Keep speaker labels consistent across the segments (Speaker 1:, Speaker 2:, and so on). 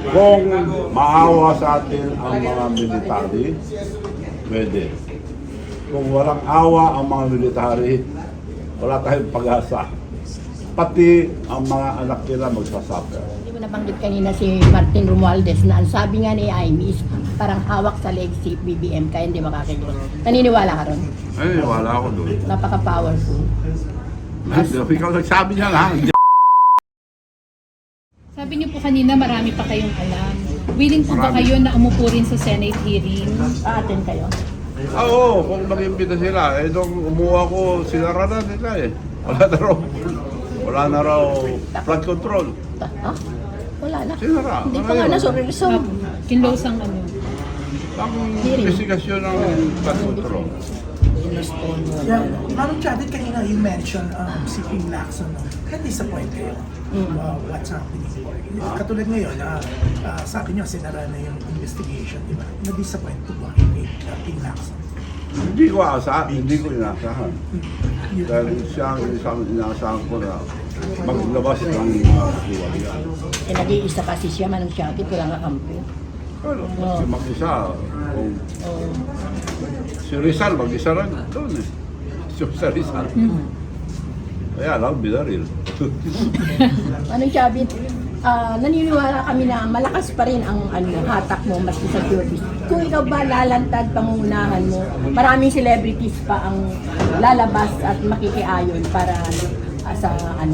Speaker 1: Kung maawa sa atin ang mga military, pwede. Kung walang awa ang mga military, wala tayong pag-asa. Pati ang mga anak nila magsasuffer.
Speaker 2: Hindi mo nabanggit kanina si Martin Romualdez na ang sabi nga ni Amy is parang hawak sa leg si BBM kaya hindi makakilos. Naniniwala ka ron?
Speaker 1: Ay, wala ako doon.
Speaker 2: Napaka-powerful.
Speaker 1: Ikaw nagsabi niya lang.
Speaker 3: Sabi niyo po kanina marami pa kayong alam. Willing po ba
Speaker 1: Marami.
Speaker 3: kayo na umupo rin sa Senate hearing?
Speaker 2: Aaten kayo.
Speaker 1: Oo, kung mag-imbita sila, eh nung umuha ko, sinara na nila eh. Wala na raw flood control.
Speaker 2: Ha? Wala na.
Speaker 1: Sinara.
Speaker 2: Hindi
Speaker 1: Ano
Speaker 2: pa nga
Speaker 1: yun?
Speaker 2: na-resolve.
Speaker 3: Kinlose ang ano.
Speaker 1: Ang investigasyon ng flood control.
Speaker 4: Yeah, Madam Chavit, kanina you mentioned si Ping Lacson. No? Na-disappoint kayo what's happening. Katulad ngayon, sabi niyo, sinara na yung investigation, di ba? Na-disappoint po ba kay Ping Lacson?
Speaker 1: Hindi ko inaasahan. Dahil siya ang isang inaasahan ko na maglabas ng diwali.
Speaker 2: Eh, nag-iisa kasi siya, Manong Chavit, walang kakampi.
Speaker 1: Pero kasi mag-isa, kung si Rizal mag-isa rin doon eh. Si Rizal. Kaya lang, binaril.
Speaker 2: Manong Chavit, naniniwala kami na malakas pa rin ang hatak mo maski sa showbiz. Kung ikaw ba lalantad pangungunahan mo, maraming celebrities pa ang lalabas at makikiayon para sa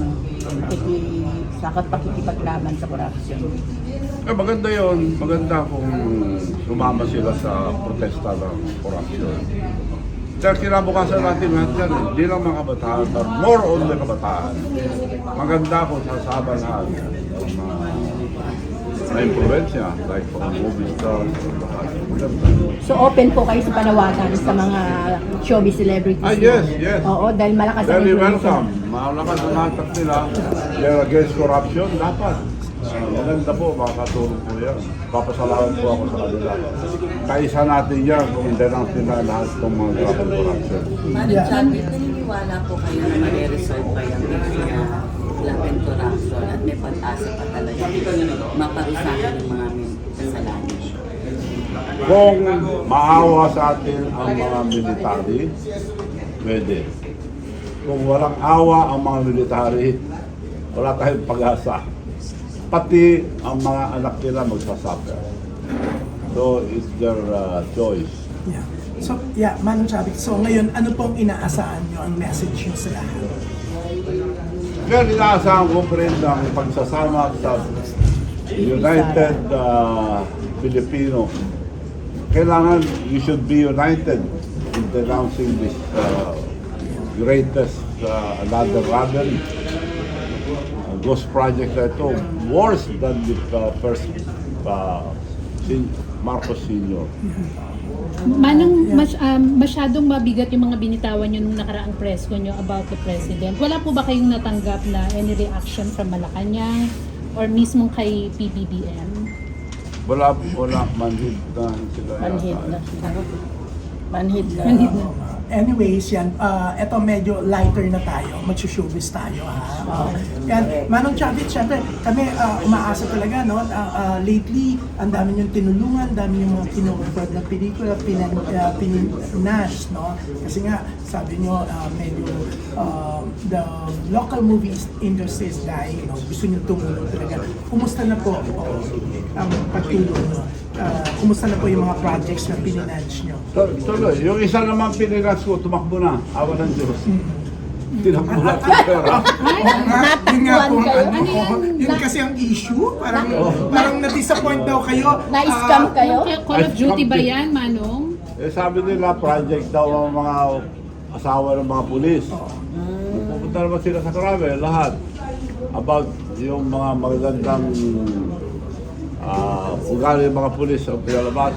Speaker 2: pakikipaglaban sa korupsyon.
Speaker 1: Eh, maganda yon, maganda kung sumama sila sa protesta ng korupsyon. Dahil kinabukasan natin lahat yan, hindi lang mga kabataan, but more on the kabataan. Maganda kung sasama lahat ng mga na impluensya, like mga movie stars, maganda.
Speaker 2: So open po kayo sa panawagan sa mga showbiz celebrities?
Speaker 1: Ah, yes, yes.
Speaker 2: Oo, dahil malakas ang
Speaker 1: Very
Speaker 2: influence.
Speaker 1: welcome. Malakas ang hatak nila. They're against corruption, dapat. Maganda po, makakatulong po yan. Papasalamat po ako sa kanila. Kaisa natin yan kung hindi lang sila lahat ng mga grabe corruption.
Speaker 5: Madam Chavit, naniniwala po kayo na ma-resolve pa yung issue ng love and corruption at may pag-asa pa talaga maparusahan ng mga kasalanan.
Speaker 1: Kung maawa sa atin ang mga military, pwede. Kung walang awa ang mga military, wala tayong pag-asa. Pati ang mga anak nila magsasuffer. So, it's their choice.
Speaker 4: Yeah. So, yeah, Madam Chavit, so ngayon, ano pong inaasahan nyo ang message nyo sa lahat?
Speaker 1: Kaya inaasahan ko pa rin ang pagsasama sa United Filipino. Kailangan you should be united in denouncing this greatest another robbery. Ghost project na ito, worse than the first Marcos Sr.
Speaker 3: Manong masyadong mabigat yung mga binitawan nyo nung nakaraang press ko nyo about the president. Wala po ba kayong natanggap na any reaction from Malacanang or mismo kay PBBM?
Speaker 1: Wala, manhid na sila.
Speaker 2: Manhid na. Manhid na.
Speaker 3: Manhid na.
Speaker 4: Anyways, yan, eto medyo lighter na tayo, mag-showbiz tayo ha. Yan, Manong Chavit, syempre kami umaasa talaga, no? Lately, ang dami niyong tinulungan, dami niyong mga kinukumpad na pelikula, pinash, no? Kasi nga, sabi niyo, medyo the local movie industry is dying, no? Gusto niyo tumulong talaga. Kumusta na po ang pagtulong, no? Kumusta na po yung mga projects na pininange niyo?
Speaker 1: Tuloy, yung isa naman pinilas ko, tumakbo na. Awa ng Diyos. Tinakbo na yung pera.
Speaker 4: Yun nga po,
Speaker 2: Natakbuhan kayo?
Speaker 4: yun kasi ang issue. Parang na-disappoint daw kayo.
Speaker 2: Na-scam kayo?
Speaker 3: Call of Duty ba yan, Manong?
Speaker 1: Eh, sabi nila, project daw ang mga asawa ng mga pulis. Pupunta naman sila sa Krame, lahat. About yung mga magagandang ugali ng mga pulis ang pinalabas.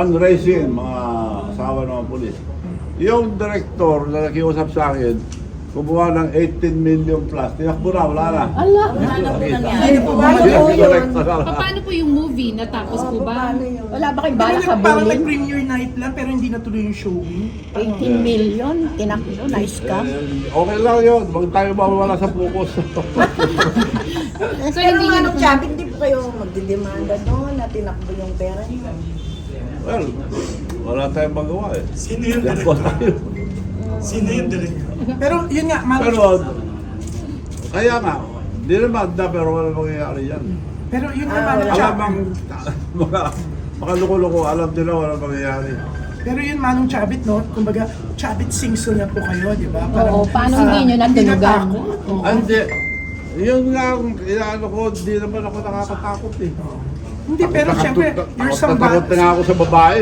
Speaker 1: Fundraising, mga asawa ng mga pulis. Yung director na nakiusap sa akin, kumuha ng 18 million plus. Tinakbo na, wala na.
Speaker 2: Allah!
Speaker 5: Ano po nangyari?
Speaker 4: Hindi po ba
Speaker 1: Hindi,
Speaker 2: po yun?
Speaker 1: correct na lang.
Speaker 3: Paano po yung movie? Natapos po ba?
Speaker 2: Wala ba kayong balak sa
Speaker 4: Parang
Speaker 2: bowling?
Speaker 4: nag-premiere night lang pero hindi natuloy yung showing.
Speaker 2: 18 million, tinakbo, nice ka.
Speaker 1: Okay lang yun. Huwag tayo mawala sa focus.
Speaker 3: So
Speaker 6: Pero
Speaker 3: hindi
Speaker 6: ano,
Speaker 3: nyo
Speaker 6: Chabi, hindi po kayo magdidemanda doon na tinakbo yung pera niyo.
Speaker 1: Well, wala tayong magawa eh.
Speaker 7: Sino yung
Speaker 1: Yakbo tayo.
Speaker 7: Sino yung director?
Speaker 4: Pero yun nga,
Speaker 1: Pero, kaya nga, hindi naman na pero wala mangyayari yan.
Speaker 4: pero yun nga,
Speaker 6: Ah,
Speaker 4: Manong
Speaker 6: wala.
Speaker 1: Alam
Speaker 4: Chabit.
Speaker 1: ang mga loko-loko, alam nila wala mangyayari.
Speaker 4: Pero yun, Manong Chabit, no? Kumbaga, Chabit singso na po kayo, di ba?
Speaker 2: Oo, paano hindi nyo natunugan?
Speaker 4: natakot. Oo.
Speaker 1: Hindi. Yun nga, ang inaano ko, hindi naman ako nakakatakot eh.
Speaker 4: Hindi, pero syempre, you're some
Speaker 1: Takot na nga ako sa babae.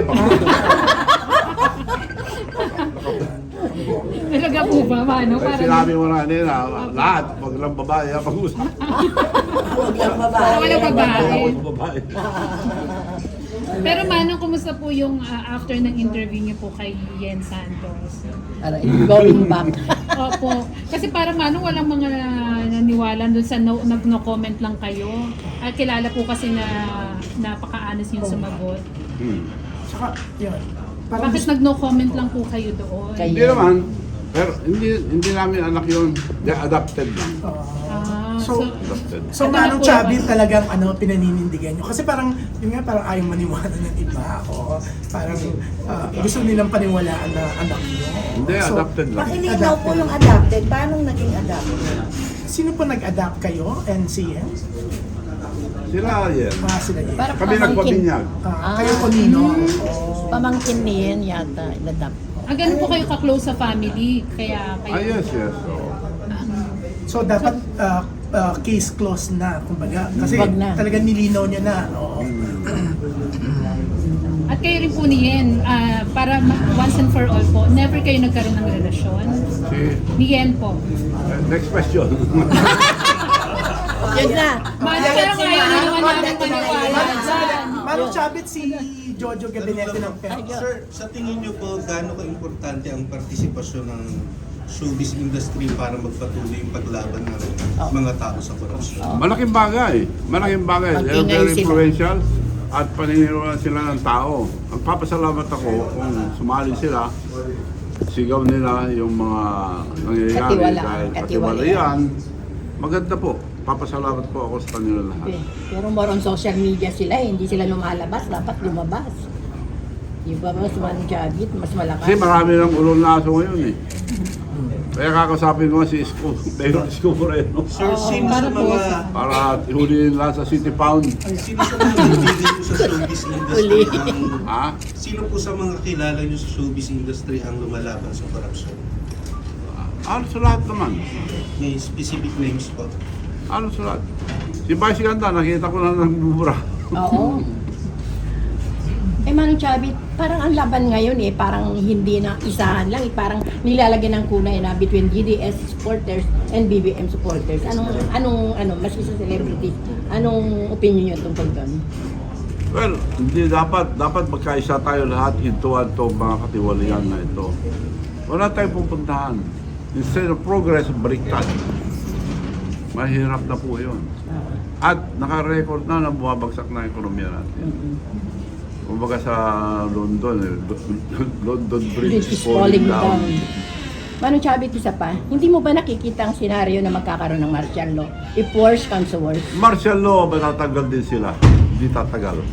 Speaker 3: talaga po ba? Paano?
Speaker 1: Kaya
Speaker 3: Parang
Speaker 1: sinabi mo na nila, lahat, wag lang babae, pag-usap.
Speaker 6: Huwag lang babae.
Speaker 3: Walang babae.
Speaker 1: Ako sa babae.
Speaker 3: Pero Manong, kumusta po yung after ng interview niyo po kay Yen Santos?
Speaker 2: Aray, going back.
Speaker 3: Opo. Kasi parang Manong, walang mga naniwala dun sa no comment lang kayo. Kilala po kasi na napaka-honest yung sumagot.
Speaker 4: Saka, yun. Parang
Speaker 3: Bakit nag-no comment lang po kayo doon?
Speaker 2: Kay-
Speaker 1: Hindi naman, pero hindi namin anak yun. They're adopted lang.
Speaker 4: So,
Speaker 1: Adopted.
Speaker 4: So,
Speaker 3: Ano
Speaker 4: Manong
Speaker 3: na po
Speaker 4: Chabit
Speaker 3: ba?
Speaker 4: talagang pinaninindigan nyo. Kasi parang, yun nga, parang ayaw maniwala ng iba. O parang gusto nilang paniwalaan na anak nyo.
Speaker 1: Hindi,
Speaker 4: So,
Speaker 1: adopted lang.
Speaker 6: Pakilinaw po yung adopted. Paano naging adopted?
Speaker 4: Sino po nag-adapt kayo? NCN?
Speaker 1: Sila yan.
Speaker 4: Sila yun.
Speaker 2: Parang
Speaker 1: Kami
Speaker 2: pamangkin.
Speaker 1: nagpabinyag.
Speaker 4: Kayo po, Nino?
Speaker 2: Pamangkin niyan yata, inadapt.
Speaker 3: Ganun po kayo ka-close sa family, kaya kayo...
Speaker 1: Ah, yes, yes. Oo.
Speaker 4: So, dapat case closed na, kumbaga. Kasi
Speaker 2: Wag na.
Speaker 4: talagang nilinaw niya na. Oo.
Speaker 3: At kayo rin po ni Yen, para once and for all po, never kayo nagkaroon ng relasyon? Ni Yen po.
Speaker 1: Next question.
Speaker 2: Yun na.
Speaker 3: Pero ngayon na naman namin maniwala dyan.
Speaker 4: Manong Chabit, si Jojo Gabinete ng PEP.
Speaker 7: Sir, sa tingin niyo po, gaano ka-importante ang partisipasyon ng showbiz industry para magpatuloy yung paglaban ng mga tao sa korupsyon?
Speaker 1: Malaking bagay. Malaking bagay. They're
Speaker 2: Mag-ingay
Speaker 1: very
Speaker 2: sila.
Speaker 1: influential at paniniwalaan sila ng tao. Magpapasalamat ako kung sumali sila, sigaw nila yung mga nangyayari
Speaker 2: Katiwalaan.
Speaker 1: dahil
Speaker 2: Katiwalayan.
Speaker 1: katiwalayan. Maganda po. Papasalamat po ako sa kanila lahat.
Speaker 2: Pero more on social media sila eh, hindi sila lumalabas, dapat lumabas. Di ba mas Manong Chabit, mas malakas.
Speaker 1: Kasi marami ng ulol na aso ngayon eh. Kaya kakasapin ko nga si Isko, Mayor Isko Moreno.
Speaker 7: Sir, sino sa mga
Speaker 1: Para ihulihin lang sa City Pound.
Speaker 7: sino sa mga kaibigan niyo sa showbiz industry ang
Speaker 1: Ha?
Speaker 7: sino po sa mga kilala niyo sa showbiz industry ang lumalaban sa korupsyon?
Speaker 1: Ano sa lahat naman?
Speaker 7: May specific names po.
Speaker 1: Ano sa lahat? Si Vice Ganda, nakita ko na nagbubura.
Speaker 2: Oo. Eh Manong Chabit, parang ang laban ngayon eh, parang hindi na isahan lang eh, parang nilalagyan ng kulay na between GDS supporters and BBM supporters. Mas isa celebrities, anong opinion nyo tungkol doon?
Speaker 1: Well, hindi dapat magkaisa tayo lahat hintuan to mga katiwalian na ito. Wala tayong pupuntahan. Instead of progress, baliktad. Mahirap na po yun. At naka-record na bumabagsak na ang ekonomiya natin. Kumbaga sa London, London Bridge is falling down.
Speaker 2: Manong Chabit, isa pa, hindi mo ba nakikita ang senaryo na magkakaroon ng martial law? If worse comes to worse.
Speaker 1: Martial law, matatanggal din sila. Hindi tatagal.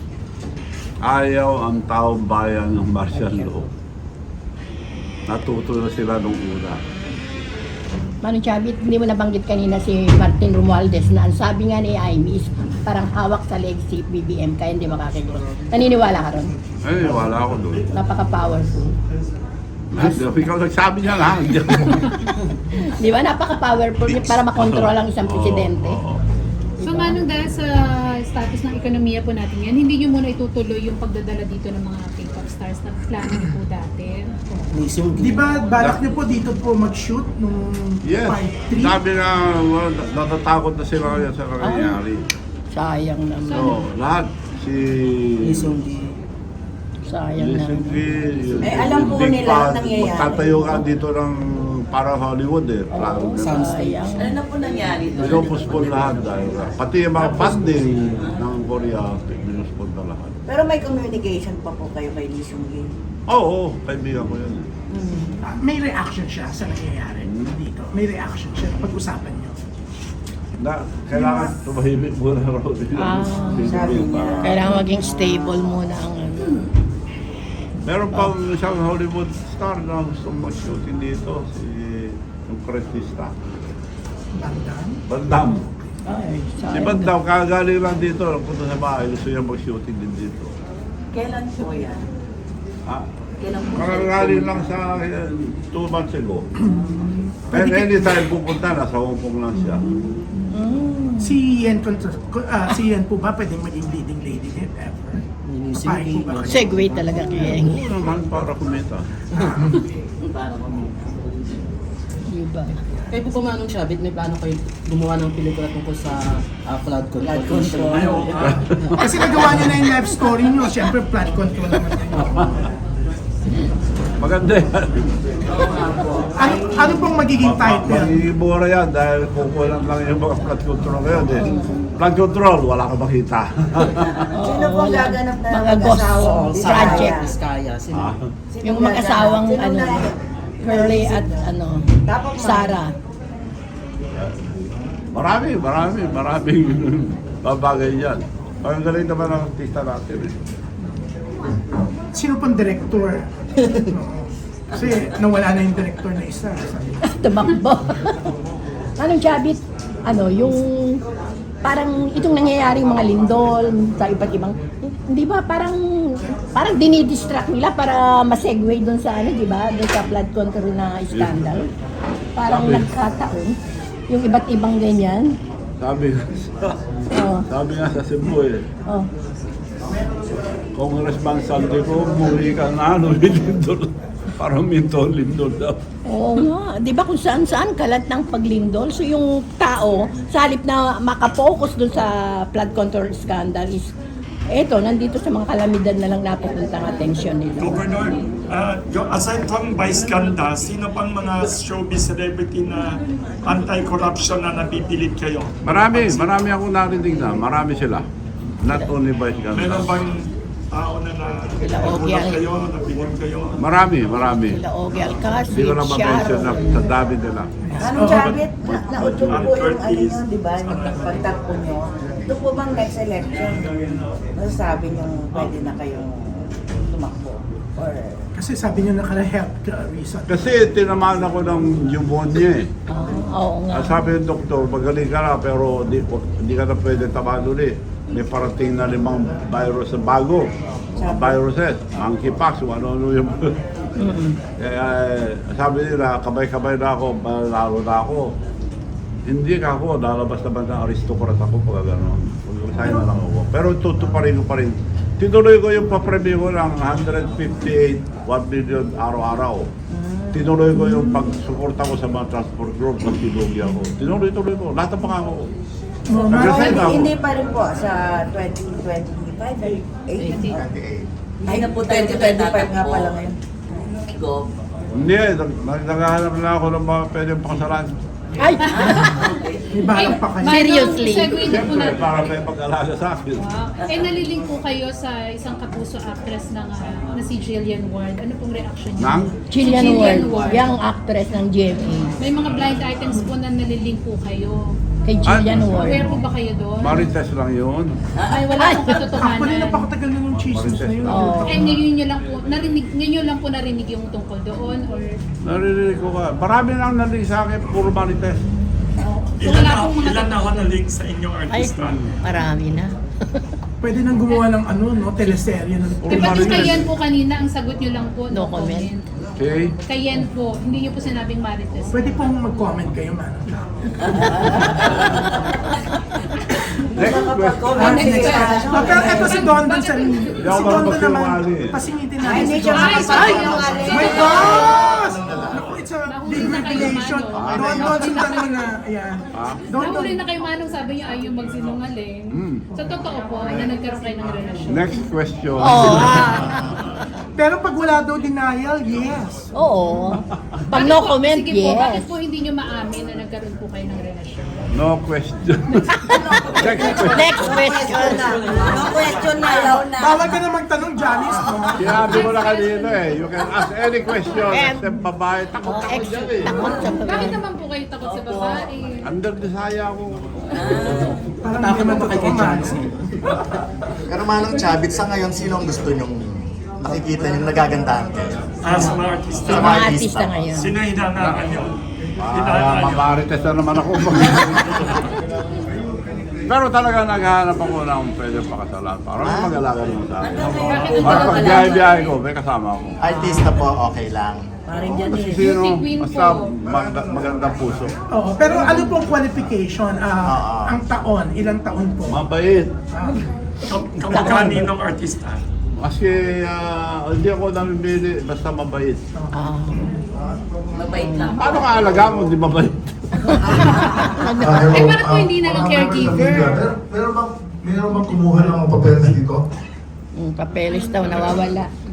Speaker 1: Ayaw ang taong bayan ng martial law. Natuto na sila nung una.
Speaker 2: Manong Chabit, hindi mo nabanggit kanina si Martin Romualdez na ang sabi nga ni Amy is parang hawak sa leg si BBM kaya hindi makakagros. Naniniwala ka ron?
Speaker 1: Ay, wala ako doon.
Speaker 2: Napaka-powerful.
Speaker 1: Ikaw nagsabi niya lang.
Speaker 2: Di ba? Napaka-powerful niya para makontrol ang isang presidente.
Speaker 3: So Manong, dahil sa status ng ekonomiya po natin yan, hindi nyo muna itutuloy yung pagdadala dito ng mga K-pop stars na plano niyo po dati?
Speaker 4: Di ba balak niyo po dito po mag-shoot nung
Speaker 1: Yes.
Speaker 4: part 3?
Speaker 1: Sabi na, natatakot na sila kaya sa nangyayari.
Speaker 2: Sayang naman.
Speaker 1: So, lahat. Si
Speaker 2: Sayang naman.
Speaker 6: Eh, alam po nila ang nangyayari.
Speaker 1: Magtatayo ka dito ng parang Hollywood eh. Plano nila.
Speaker 2: Sayang.
Speaker 5: Ano na po nangyari doon?
Speaker 1: Pinupuspon lahat dahil pati yung mga funding ng Korea, pinupuspon na lahat.
Speaker 6: Pero may communication pa po kayo kay Lee Seung-gi.
Speaker 1: Oo, kaibigan ko yun.
Speaker 4: May reaction siya sa nangyayari dito. May reaction siya. Pag-usapan niyo.
Speaker 1: Na, kailangan tumahimik muna raw din.
Speaker 6: sabi niya.
Speaker 2: Kailangan maging stable muna ang ano.
Speaker 1: Meron pang isang Hollywood star na gusto mag-shooting dito, si yung Crestista. Bandam.
Speaker 2: Ay,
Speaker 1: Si
Speaker 2: sayang.
Speaker 1: Bandam, kagaling lang dito, punta sa bahay, gusto niya mag-shooting din dito.
Speaker 5: Kailan po yan?
Speaker 1: Ha?
Speaker 5: Kailan po
Speaker 1: Kagaling lang sa 2 months ago. And anytime pupunta, nasa Hong Kong lang siya.
Speaker 4: Si Yen po ba pwedeng maging leading lady if ever? Papayag po ba kayo?
Speaker 2: Segue talaga kay Eng.
Speaker 1: Oo naman, para kumita.
Speaker 2: Diba?
Speaker 8: Kayo po ba Manong Shabit, may plano kayo gumawa ng pelikula tungkol sa flood control?
Speaker 4: Kasi nagawa niyo na yung life story niyo. Siyempre, flood control naman yan.
Speaker 1: Maganda yan.
Speaker 4: Ano pong magiging title?
Speaker 1: Magiging mura yan dahil kukulang lang yung mga flood control ngayon eh. Flood control, wala ka makita.
Speaker 6: Sino po gaganap na
Speaker 2: Mga ghost
Speaker 6: mag-asawang
Speaker 2: project.
Speaker 8: Biskaya, sino?
Speaker 6: Sino
Speaker 2: Yung
Speaker 6: gaganap?
Speaker 2: mag-asawang
Speaker 6: Sino
Speaker 2: ano,
Speaker 6: gaganap?
Speaker 2: Curly at ano,
Speaker 6: Tapos
Speaker 2: Sarah.
Speaker 1: Maraming babagay yan. Ang galing naman ang artista natin eh.
Speaker 4: Sino pong director? Kasi nawala na yung director na isa.
Speaker 2: Tumakbo. Anong Chabit? Ano, yung parang itong nangyayaring mga lindol sa iba't ibang, hindi ba parang dinidistract nila para ma-segue doon sa ano, di ba? Doon sa flood control na scandal. Parang
Speaker 1: Sabi.
Speaker 2: nagkataon. Yung iba't ibang ganyan. Oh,
Speaker 1: Sabi nga sa Cebu eh,
Speaker 2: oh.
Speaker 1: Congressman Saldi ko, umuwi ka na ano, lindol. Parang lindol daw.
Speaker 2: Oo nga. Di ba kung saan-saan kalat ng paglindol? So yung tao, sa halip na makapokus dun sa flood control scandal is, eto, nandito sa mga kalamidad na lang napupunta ang atensyon nila.
Speaker 9: Governor, aside from Vice Ganda, sino pang mga showbiz celebrity na anti-corruption na nabibilid kayo?
Speaker 1: Marami akong narinig na, marami sila. Not only by
Speaker 9: Meron
Speaker 1: Ganda.
Speaker 9: bang tao na
Speaker 2: Ogyal.
Speaker 9: kayo, nabilib kayo?
Speaker 1: Marami.
Speaker 2: Sila Ogie Alcacid,
Speaker 1: Hindi ko na ma-mention na
Speaker 2: Sharon.
Speaker 1: sa dami nila.
Speaker 6: Anong Chabit? Nautog po yung ano nyo, di ba? Yung pagtakbo nyo. Ito po bang next election? Masasabi nyo pwede na kayong tumakbo? Or
Speaker 4: Kasi sabi niyo naka-health reason.
Speaker 1: Kasi tinamaan ako ng pneumonia eh.
Speaker 2: Oo nga.
Speaker 1: Sabi ng doktor, magaling ka na pero hindi ka na pwede tamaan ulit. May parating na 5 virus na bago. Mga viruses, monkeypox, ano yung... Kaya sabi nila, kamay-kamay na ako, malalo na ako. Hindi ka ako, lalabas naman ng aristocrat ako pag gano'n. Mag-resign na lang ako. Pero tutuparin ko pa rin. Tinuloy ko yung papremyo ko ng 158, 1 million araw-araw. Tinuloy ko yung pagsuporta ko sa mga transport group na tinuloy ako. Tinuloy ko. Lahat ng pangako ko. Nag-resign na ako.
Speaker 6: hindi pa rin po sa 2025, 88.
Speaker 5: Ay na po tayo
Speaker 6: 2025 nga pala ngayon.
Speaker 5: Go.
Speaker 1: Hindi, naghahanap na ako ng mga pwedeng pakasalan.
Speaker 2: Ay!
Speaker 4: May balak pa kayo.
Speaker 2: Seriously?
Speaker 3: Segue na po
Speaker 1: Siyempre,
Speaker 3: na.
Speaker 1: para may pag-alaga sa akin.
Speaker 3: Wow. Nalilink po kayo sa isang kapuso actress na si Jillian Ward. Ano pong reaction niyo?
Speaker 1: Nang?
Speaker 2: Jillian
Speaker 3: Jillian
Speaker 2: Ward,
Speaker 3: Ward.
Speaker 2: young actress ng GMA.
Speaker 3: May mga blind items po na nalilink po kayo.
Speaker 2: Kay Jillian
Speaker 3: Aware
Speaker 2: Ward.
Speaker 3: po ba kayo doon?
Speaker 1: Marites lang yun.
Speaker 3: Ay, wala pong
Speaker 4: Actually,
Speaker 3: katotohanan.
Speaker 4: napakatagal na yung chismis na yun.
Speaker 2: Oo.
Speaker 3: Eh, ngayon lang po narinig yung tungkol doon? Or
Speaker 1: Naririnig ko ka. Marami nang narinig sa akin, puro Marites.
Speaker 3: so, wala pong mga
Speaker 9: Ilan na ako na-link sa inyong
Speaker 2: Ay,
Speaker 9: artista?
Speaker 2: marami na.
Speaker 4: Pwede nang gumawa ng ano, no, teleserye ng
Speaker 3: Di ba yung kayen po kanina, ang sagot nyo lang po,
Speaker 2: No comment.
Speaker 1: Okay?
Speaker 3: Kayen po, hindi nyo po sinabing Marites.
Speaker 4: Pwede pong mag-comment kayo, man.
Speaker 1: Next question.
Speaker 6: Next question.
Speaker 4: Pero eto si Don sa si
Speaker 1: ako
Speaker 4: Don
Speaker 1: marunong
Speaker 4: naman,
Speaker 1: magsinungaling eh.
Speaker 4: pasingitin
Speaker 6: Ay,
Speaker 4: natin
Speaker 6: hindi
Speaker 4: si
Speaker 6: siya
Speaker 4: Don.
Speaker 6: makapagsinungaling.
Speaker 4: My gosh! Naku, it's a
Speaker 3: Nahuli
Speaker 4: big
Speaker 3: na kayo,
Speaker 4: revelation.
Speaker 3: Manong.
Speaker 4: Don, sundan mo na. Ayan. Don,
Speaker 3: Nahuli na kayo Manong, sabi nyo ay yung magsinungaling. Sa totoo po, na nagkaroon kayo ng relasyon.
Speaker 1: Next question.
Speaker 2: Oh.
Speaker 4: Pero pag wala daw denial, yes.
Speaker 2: Oo. Pag no comment,
Speaker 3: Sige po, bakit
Speaker 2: yes.
Speaker 3: po hindi nyo maamin na nagkaroon po kayo ng relasyon?
Speaker 1: No question. Next question.
Speaker 2: Next question.
Speaker 6: No question na, alaw na.
Speaker 4: Bawal ka na magtanong, Janice, no?
Speaker 1: Sinabi mo na kanina eh. You can ask any question. Except babae. Takot ako dyan eh.
Speaker 2: Takot sa
Speaker 3: Bakit naman po kayo takot sa babae?
Speaker 1: Under desire ako.
Speaker 4: Parang
Speaker 8: Takot
Speaker 4: hindi
Speaker 8: na ba
Speaker 4: naman
Speaker 8: kay
Speaker 4: totoo,
Speaker 8: Janice?
Speaker 10: Pero Manong Chavit, sa ngayon, sino ang gusto nyong nakikita yung nagagandahan kayo?
Speaker 9: As mga artista,
Speaker 2: Sa mga artista ngayon.
Speaker 9: sino hinangaan nyo?
Speaker 1: Mamarites na naman ako. Pero talaga naghahanap ako ng pwede pakasalan para mag-alaga naman sa akin. Para pag biyahe-biyahe ko, may kasama ako.
Speaker 10: Artista po, okay lang.
Speaker 6: Parang dyan
Speaker 1: Kasi
Speaker 6: eh.
Speaker 1: sino,
Speaker 3: Beauty queen
Speaker 1: basta
Speaker 3: po.
Speaker 1: magandang puso.
Speaker 4: Oo, pero ano pong qualification? Ang taon, ilang taon po?
Speaker 1: Mabait.
Speaker 9: Kamukha ninong artista.
Speaker 1: Kasi hindi ako namimili, basta mabait.
Speaker 5: Mabait lang.
Speaker 1: Paano ka alaga mo, di mabait?
Speaker 3: Eh, bakit po hindi na lang caregiver?
Speaker 11: Meron bang kumuha ng mga papeles dito?
Speaker 2: Papeles daw, nawawala.